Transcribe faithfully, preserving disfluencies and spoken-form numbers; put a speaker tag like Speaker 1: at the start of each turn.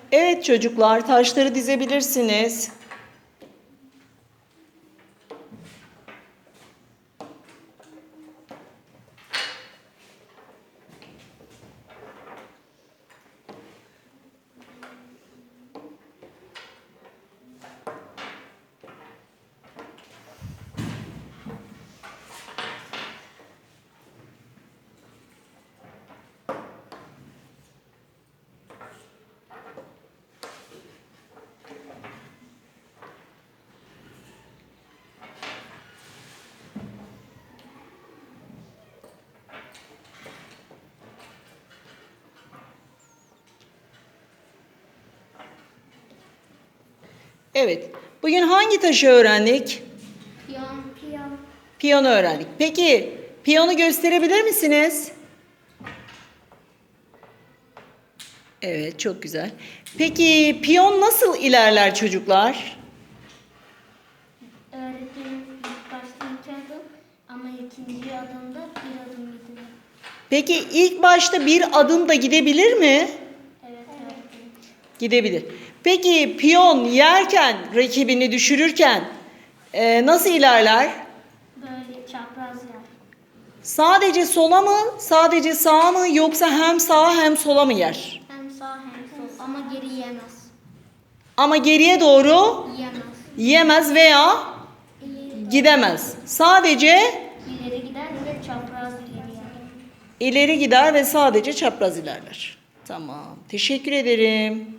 Speaker 1: Evet çocuklar, taşları dizebilirsiniz. Evet. Bugün hangi taşı öğrendik?
Speaker 2: Piyon. Piyon.
Speaker 1: Piyano öğrendik. Peki, piyano gösterebilir misiniz? Evet, çok güzel. Peki, piyon nasıl ilerler çocuklar?
Speaker 2: Öğretmenim ilk başta iki adım ama ikinci adımda bir adım gidiyor.
Speaker 1: Peki, ilk başta bir adım da gidebilir mi?
Speaker 2: Evet öğretmenim.
Speaker 1: Gidebilir. Peki, piyon yerken, rakibini düşürürken e, nasıl ilerler?
Speaker 2: Böyle çapraz yer.
Speaker 1: Sadece sola mı, sadece sağa mı yoksa hem sağa hem sola mı yer?
Speaker 2: Hem sağ hem sol ama geri yemez.
Speaker 1: Ama geriye doğru
Speaker 2: Yemez.
Speaker 1: yiyemez veya
Speaker 2: İleri,
Speaker 1: gidemez. Sadece
Speaker 2: ileri gider ve çapraz ileri yer.
Speaker 1: ileri gider ve sadece çapraz ilerler. Tamam. Teşekkür ederim.